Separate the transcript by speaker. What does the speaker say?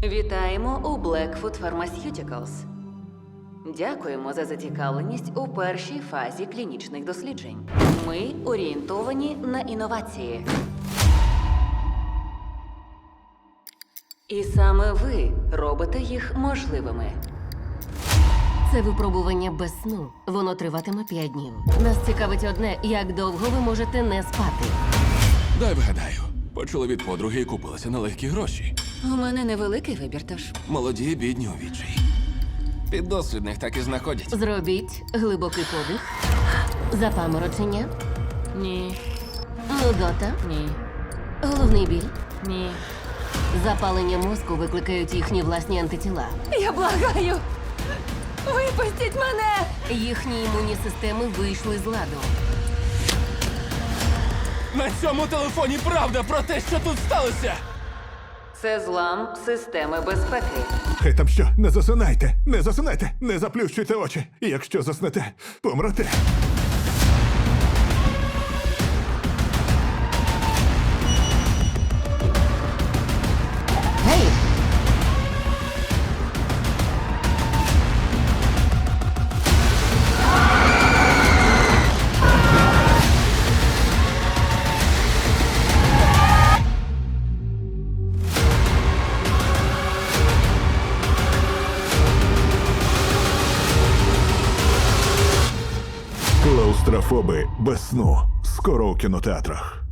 Speaker 1: Вітаємо у Blackfoot Pharmaceuticals. Дякуємо за зацікавленість у першій фазі клінічних досліджень. Ми орієнтовані на інновації. І саме ви робите їх можливими.
Speaker 2: Це випробування без сну. Воно триватиме 5 днів. Нас цікавить одне, як довго ви можете не спати.
Speaker 3: Дай вгадаю. Почули від подруги і купилася на легкі гроші.
Speaker 1: У мене невеликий вибір, тож.
Speaker 3: Молоді, бідні у відчаї. Піддослідних так і знаходять.
Speaker 2: Зробіть глибокий подих. Запаморочення.
Speaker 1: Ні,
Speaker 2: Нудота.
Speaker 1: ні,
Speaker 2: Головний біль.
Speaker 1: ні.
Speaker 2: Запалення мозку викликають їхні власні антитіла.
Speaker 1: Я благаю! Випустіть мене!
Speaker 2: Їхні імунні системи вийшли з ладу.
Speaker 3: На цьому телефоні правда про те, що тут сталося!
Speaker 1: Це злам системи безпеки.
Speaker 4: Хай там що, не засинайте, не засинайте, не заплющуйте очі. Якщо заснете, помрете.
Speaker 2: Гей!
Speaker 4: Клаустрофоби без сну. Скоро у кінотеатрах.